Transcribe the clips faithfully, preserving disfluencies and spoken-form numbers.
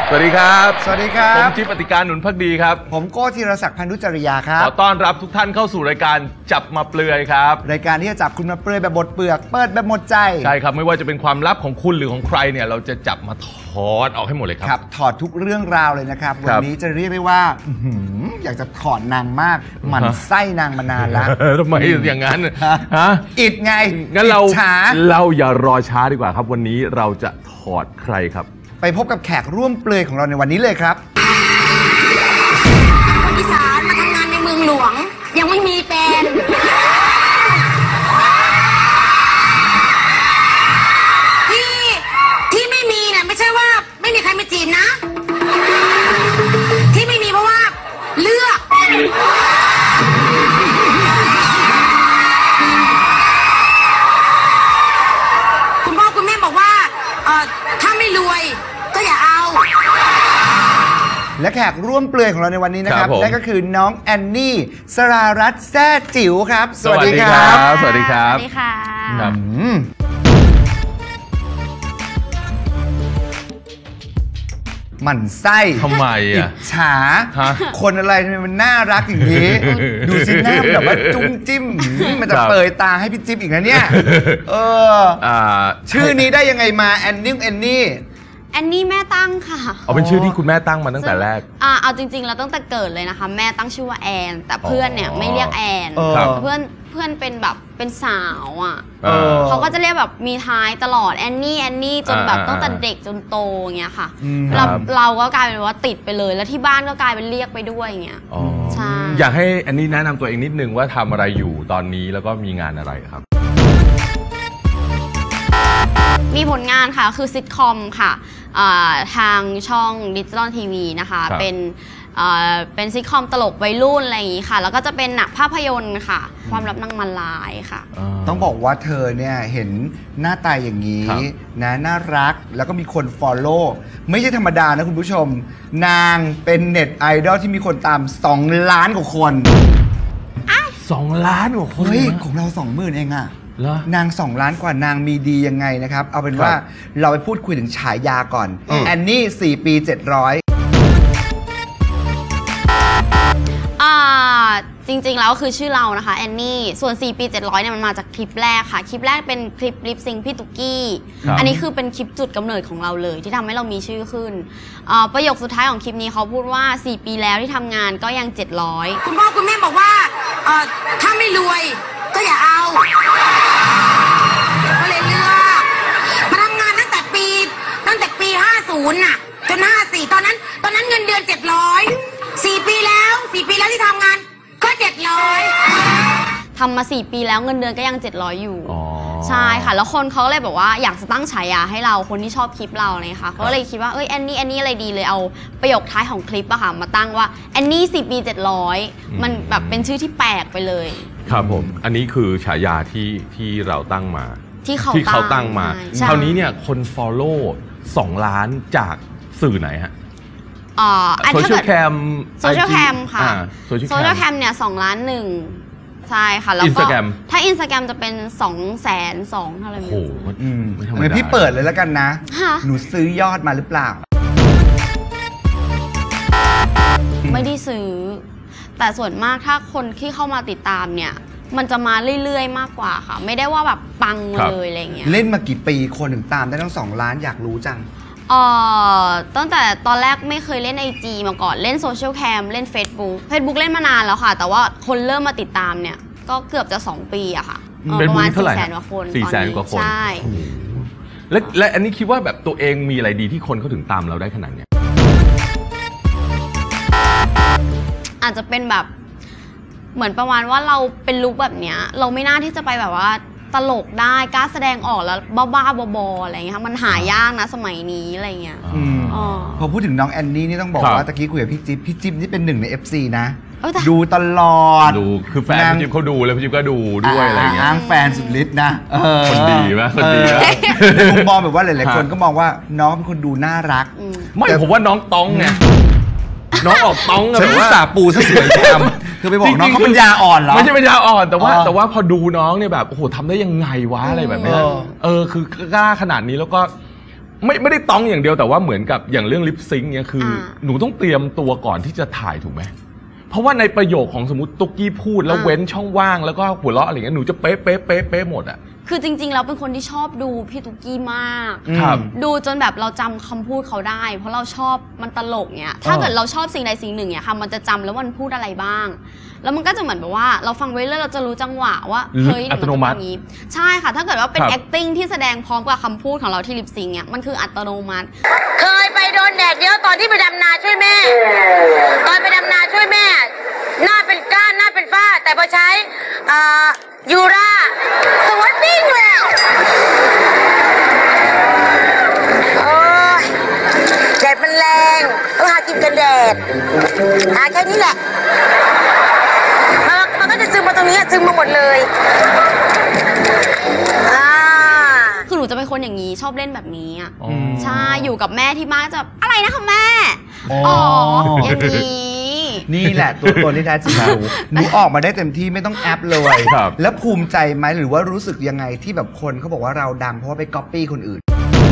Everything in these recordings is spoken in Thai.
สวัสดีครับสวัสดีครับผมจิ๊บปฏิการหนุนภักดีครับผมโก้ธีรศักดิ์พันธุจริยาครับขอต้อนรับทุกท่านเข้าสู่รายการจับมาเปลือยครับรายการที่จะจับคุณมาเปลือยแบบหมดเปลือกเปิดแบบหมดใจใช่ครับไม่ว่าจะเป็นความลับของคุณหรือของใครเนี่ยเราจะจับมาถอดออกให้หมดเลยครับครับถอดทุกเรื่องราวเลยนะครับวันนี้จะเรียกได้ว่าอยากจะถอดนางมากหมั่นไส้นางมานานแล้วทำไมอย่างนั้นฮะอิดไงงั้นเราเราอย่ารอช้าดีกว่าครับวันนี้เราจะถอดใครครับไปพบกับแขกร่วมเปลือยของเราในวันนี้เลยครับคนอีสานมาทำงานในเมืองหลวงยังไม่มีแฟนที่ที่ไม่มีเนี่ยไม่ใช่ว่าไม่มีใครมาจีบนะที่ไม่มีเพราะว่าเลือกคุณพ่อคุณแม่บอกว่าเอ่อถ้าไม่รวยก็อย่าเอาและแขกร่วมเปลือยของเราในวันนี้นะครับนั่นก็คือน้องแอนนี่สรารัตน์แซ่จิ๋วครับสวัสดีครับสวัสดีครับสวัสดีค่ะหมั่นไส้ทำไมอ่ะอิจฉาคนอะไรทำไมมันน่ารักอย่างนี้ดูสิหน้าแบบว่าจุ้มจิ้มมันจะเปิดตาให้พี่จิ๊บอีกนะเนี่ยเออชื่อนี้ได้ยังไงมาแอนนี่แอนนี่แอนนี่แม่ตั้งค่ะเอาเป็นชื่อที่คุณแม่ตั้งมาตั้งแต่แรกอ่าเอาจริงๆแล้วตั้งแต่เกิดเลยนะคะแม่ตั้งชื่อว่าแอนแต่เพื่อนเนี่ยไม่เรียกแอนเพื่อนเพื่อนเป็นแบบเป็นสาวอ่ะเขาก็จะเรียกแบบมีท้ายตลอดแอนนี่แอนนี่จนแบบตั้งแต่เด็กจนโตอย่างเงี้ยค่ะเราเราก็กลายเป็นว่าติดไปเลยแล้วที่บ้านก็กลายเป็นเรียกไปด้วยอย่างเงี้ยใช่อยากให้แอนนี่แนะนำตัวเองนิดนึงว่าทำอะไรอยู่ตอนนี้แล้วก็มีงานอะไรครับมีผลงานค่ะคือซิทคอมค่ะทางช่องดิจิตอลทีวีนะคะเป็นเป็นซิทคอมตลกวัยรุ่นอะไรอย่างนี้ค่ะแล้วก็จะเป็นหนังภาพยนตร์ค่ะความลับนางมันลายค่ะต้องบอกว่าเธอเนี่ยเห็นหน้าตาอย่างนี้นะน่ารักแล้วก็มีคนฟอลโล่ไม่ใช่ธรรมดานะคุณผู้ชมนางเป็นเน็ตไอดอลที่มีคนตามสองล้านกว่าคนสองล้านกว่าคนเฮ้ยของเราสองหมื่นเองอะนางสองล้านกว่านางมีดียังไงนะครับเอาเป็นว่าเราไปพูดคุยถึงฉายาก่อนแอนนี่สี่ปีเจ็ดร้อยอ่าจริงๆแล้วคือชื่อเรานะคะแอนนี่ส่วนสี่ปีเจ็ดร้อยเนี่ยมันมาจากคลิปแรกค่ะคลิปแรกเป็นคลิปลิปซิงพี่ตุ๊กกี้อันนี้คือเป็นคลิปจุดกำเนิดของเราเลยที่ทำให้เรามีชื่อขึ้นประโยคสุดท้ายของคลิปนี้เขาพูดว่าสี่ปีแล้วที่ทำงานก็ยังเจ็ดร้อยคุณพ่อคุณแม่บอกว่าถ้าไม่รวยก็อย่าเอาก็เลยเลือกมาทำงานตั้งแต่ปีตั้งแต่ปีห้าสิบน่ะจนห้าสิบสี่ตอนนั้นตอนนั้นเงินเดือนเจ็ดร้อยสี่ปีแล้วสี่ปีแล้วที่ทำงานก็เจ็ดร้อยทำมาสี่ปีแล้วเงินเดือนก็ยังเจ็ดร้อยอยู่ใช่ค่ะแล้วคนเขาเลยบอกว่าอยากจะตั้งฉายาให้เราคนที่ชอบคลิปเราเลยค่ะเขาเลยคิดว่าเอ้ยแอนนี่แอนนี่อะไรดีเลยเอาประโยคท้ายของคลิปอะค่ะมาตั้งว่าแอนนี่สี่ปีเจ็ดร้อยมันแบบเป็นชื่อที่แปลกไปเลยครับผมอันนี้คือฉายาที่ที่เราตั้งมาที่เขาที่เขาตั้งมาคราวนี้เนี่ยคน follow สองล้านจากสื่อไหนฮะโซเชียลแคมโซเชียลแคมค่ะโซเชียลแคมเนี่ยสองล้านหนึ่งใช่ค่ะแล้วก็ถ้าอินสตาแกรมจะเป็นสองแสนสองเท่าไหร่โอ้โหเหมือนพี่เปิดเลยแล้วกันนะหนูซื้อยอดมาหรือเปล่าไม่ได้ซื้อแต่ส่วนมากถ้าคนที่เข้ามาติดตามเนี่ยมันจะมาเรื่อยๆมากกว่าค่ะไม่ได้ว่าแบบปังมาเลยอะไรเงี้ยเล่นมากี่ปีคนถึงตามได้ทั้งสองล้านอยากรู้จังเอ่อตั้งแต่ตอนแรกไม่เคยเล่น ไอ จี มาก่อนเล่นโซเชียลแคมเล่น Facebook Facebook เล่นมานานแล้วค่ะแต่ว่าคนเริ่มมาติดตามเนี่ยก็เกือบจะสองปีอะค่ะประมาณสี่แสนกว่าคนสี่แสนกว่าคนใช่และและอันนี้คิดว่าแบบตัวเองมีอะไรดีที่คนเขาถึงตามเราได้ขนาดเนี้ยอาจจะเป็นแบบเหมือนประมาณว่าเราเป็นลุคแบบเนี้ยเราไม่น่าที่จะไปแบบว่าตลกได้กล้าแสดงออกแล้วบ้าๆบอๆอะไรเงี้ยค่ะมันหายากนะสมัยนี้อะไรเงี้ยพอพูดถึงน้องแอนนี่นี่ต้องบอกว่าตะกี้คุยกับพี่จิ๊บพี่จิ๊บนี่เป็นหนึ่งใน เอฟ ซี นะดูตลอดดูคือแฟนพี่จิ๊บเขาดูแล้วพี่จิ๊บก็ดูด้วยอะไรเงี้ยอ้างแฟนสุดฤทธิ์นะคนดีไหมคนดีในมุมมองแบบว่าหลายๆคนก็มองว่าน้องเป็นคนดูน่ารักไม่ผมว่าน้องต้องไงน้องออกต้องฉันอุตส่าห์ปูซะสวยงามคือไปบอกน้องเขาเป็นยาอ่อนเหรอไม่ใช่เป็นยาอ่อนแต่ว่าแต่ว่าพอดูน้องเนี่ยแบบโอ้โหทำได้ยังไงวะอะไรแบบนี้เออคือกล้าขนาดนี้แล้วก็ไม่ไม่ได้ต้องอย่างเดียวแต่ว่าเหมือนกับอย่างเรื่องลิปซิงค์เนี่ยคืออหนูต้องเตรียมตัวก่อนที่จะถ่ายถูกไหมเพราะว่าในประโยคของสมมติตุ๊กกี้พูดแล้วเว้นช่องว่างแล้วก็หัวเราะอะไรเงี้ยหนูจะเป๊ะเป๊ะเป๊ะเป๊ะหมดอ่ะคือจริงๆเราเป็นคนที่ชอบดูพี่ตุ๊กกี้มากครับดูจนแบบเราจำคำพูดเขาได้เพราะเราชอบมันตลกเนี่ยถ้าเกิดเราชอบสิ่งใดสิ่งหนึ่งเนี่ยค่ะมันจะจำแล้วมันพูดอะไรบ้างแล้วมันก็จะเหมือนแบบว่าเราฟังไว้เรื่อยเราจะรู้จังหวะว่าเฮ้ยอัตโนมัติใช่ค่ะถ้าเกิดว่าเป็น acting ที่แสดงพร้อมกับคำพูดของเราที่ลิปซิงค์เนี่ยมันคืออัตโนมัติเคยไปโดนแดดเยอะตอนที่ไปดำนาช่วยแม่ตอนไปดำนาช่วยแม่หน้าเป็นก้านหน้าเป็นฝ้าแต่พอใช้ยูราสวยปิ้งเลยโอ้ยแดดมันแรงต้องหากินกันแดดหาแค่นี้แหละมันก็จะซึมมาตรงนี้ซึมมาหมดเลยคือหนูจะเป็นคนอย่างนี้ชอบเล่นแบบนี้อ่ะใช่อยู่กับแม่ที่บ้านจะอะไรนะคะแม่อ๋ออย่างนี้นี่แหละตัวตนที่แท้จริงหนูหนูออกมาได้เต็มที่ไม่ต้องแอปเลยแล้วภูมิใจไหมหรือว่ารู้สึกยังไงที่แบบคนเขาบอกว่าเราดังเพราะว่าไปก๊อปปี้คนอื่น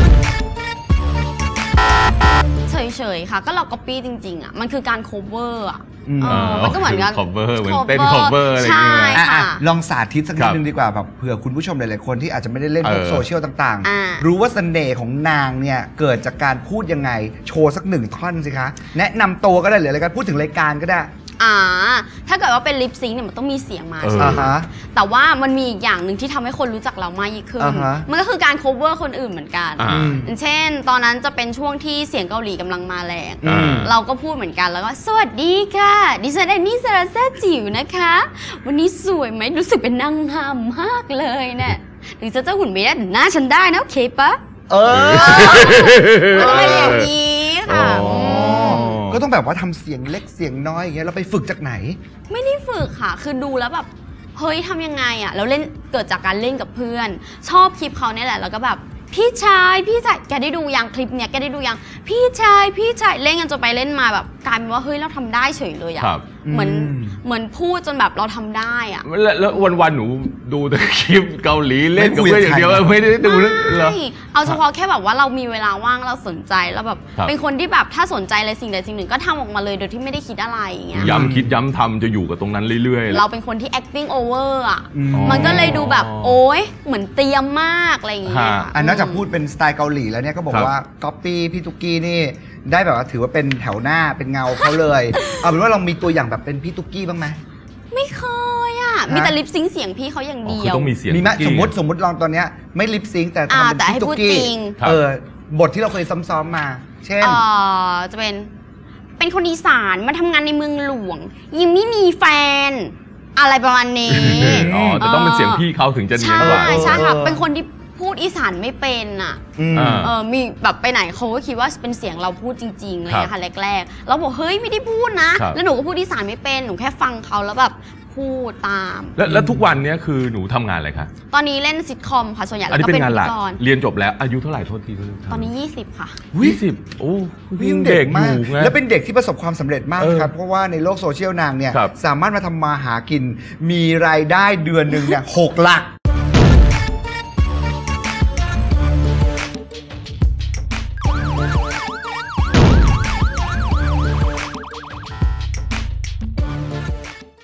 เฉยๆค่ะก็เราก๊อปปี้จริงๆอ่ะมันคือการโคเวอร์อ่ะมันก็เหมือนกัน cover เหมือนเต้น cover อะไรอย่างเงี้ยลองสาธิตสักนิดนึงดีกว่าแบบเผื่อคุณผู้ชมหลายๆคนที่อาจจะไม่ได้เล่นพวกโซเชียลต่างๆรู้ว่าเสน่ห์ของนางเนี่ยเกิดจากการพูดยังไงโชว์สักหนึ่งท่อนสิคะแนะนำตัวก็ได้หรืออะไรกันพูดถึงรายการก็ได้อ่าถ้าเกิดว่าเป็นลิปซิงค์เนี่ยมันต้องมีเสียงมาใช่ไหมแต่ว่ามันมีอีกอย่างหนึ่งที่ทำให้คนรู้จักเรามากยิ่งขึ้นมันก็คือการ cover คนอื่นเหมือนกันเช่นตอนนั้นจะเป็นช่วงที่เสียงเกาหลีกำลังมาแรงเราก็พูดเหมือนกันแล้วก็สวัสดีค่ะดิฉันแอนนี่สราแซ่จิ๋วนะคะวันนี้สวยไหมรู้สึกเป็นนางงามมากเลยเนี่ยหรือจะเจ้าหุ่นไม่ได้หน้าฉันได้นะโอเคปะเอออะไรอย่างนี้ค่ะก็ต้องแบบว่าทำเสียงเล็กเสียงน้อยอย่างเงี้ยเราไปฝึกจากไหนไม่ได้ฝึกค่ะคือดูแล้วแบบเฮ้ยทำยังไงอ่ะแล้วเล่นเกิดจากการเล่นกับเพื่อนชอบคลิปเขาเนี่ยแหละแล้วก็แบบพี่ชายพี่ชายแกได้ดูยังคลิปเนี้ยแกได้ดูยังพี่ชายพี่ชายเล่นกันจนไปเล่นมาแบบกลายเป็นว่าเฮ้ยเราทำได้เฉยเลยอ่ะเหมือนเหมือนพูดจนแบบเราทำได้อ่ะแล้ววันๆหนูดูแต่คลิปเกาหลีเล่นกับเพื่อนอย่างเดียวไม่ได้ดูเหรอเอาเฉพาะแค่แบบว่าเรามีเวลาว่างเราสนใจแล้วแบบเป็นคนที่แบบถ้าสนใจอะไรสิ่งใดสิ่งหนึ่งก็ทำออกมาเลยโดยที่ไม่ได้คิดอะไรอย่างเงี้ยย้ำคิดย้ำทำจะอยู่กับตรงนั้นเรื่อยๆเราเป็นคนที่ acting over อ่ะมันก็เลยดูแบบโอ๊ยเหมือนเตรียมมากอะไรอย่างเงี้ยอันนอกจากพูดเป็นสไตล์เกาหลีแล้วเนี่ยก็บอกว่าก๊อปปี้พี่ตุ๊กกี้นี่ได้แบบว่าถือว่าเป็นแถวหน้าเป็นเงาเขาเลยเอาเป็นว่าเรามีตัวอย่างแบบเป็นพี่ตุ๊กกี้บ้างไหมไม่เคยอ่ะมีแต่ลิปซิงค์เสียงพี่เขาอย่างเดียวต้องมีเสียงมีไหมสมมติสมมติลองตอนเนี้ยไม่ลิปซิงค์แต่ทำเป็นพี่ตุ๊กกี้เออบทที่เราเคยซ้อมๆมาเช่นจะเป็นเป็นคนอีสานมาทำงานในเมืองหลวงยังไม่มีแฟนอะไรประมาณนี้อ๋อแต่ต้องเป็นเสียงพี่เขาถึงจะเนียนกว่าใช่ใช่ค่ะเป็นคนที่พูดอีสานไม่เป็นอ่ะเออมีแบบไปไหนเขาก็คิดว่าเป็นเสียงเราพูดจริงๆเลยค่ะแรกๆเราบอกเฮ้ยไม่ได้พูดนะแล้วหนูก็พูดอีสานไม่เป็นหนูแค่ฟังเขาแล้วแบบพูดตามแล้วทุกวันนี้คือหนูทำงานอะไรคะตอนนี้เล่นซิทคอมค่ะส่วนใหญ่แล้วก็เป็นงานหลักเรียนจบแล้วอายุเท่าไหร่โทษทีตอนนี้ยี่สิบค่ะยี่สิบโอ้ยังเด็กมากแล้วเป็นเด็กที่ประสบความสำเร็จมากครับเพราะว่าในโลกโซเชียลนางเนี่ยสามารถมาทำมาหากินมีรายได้เดือนหนึ่งเนี่ยหกหลัก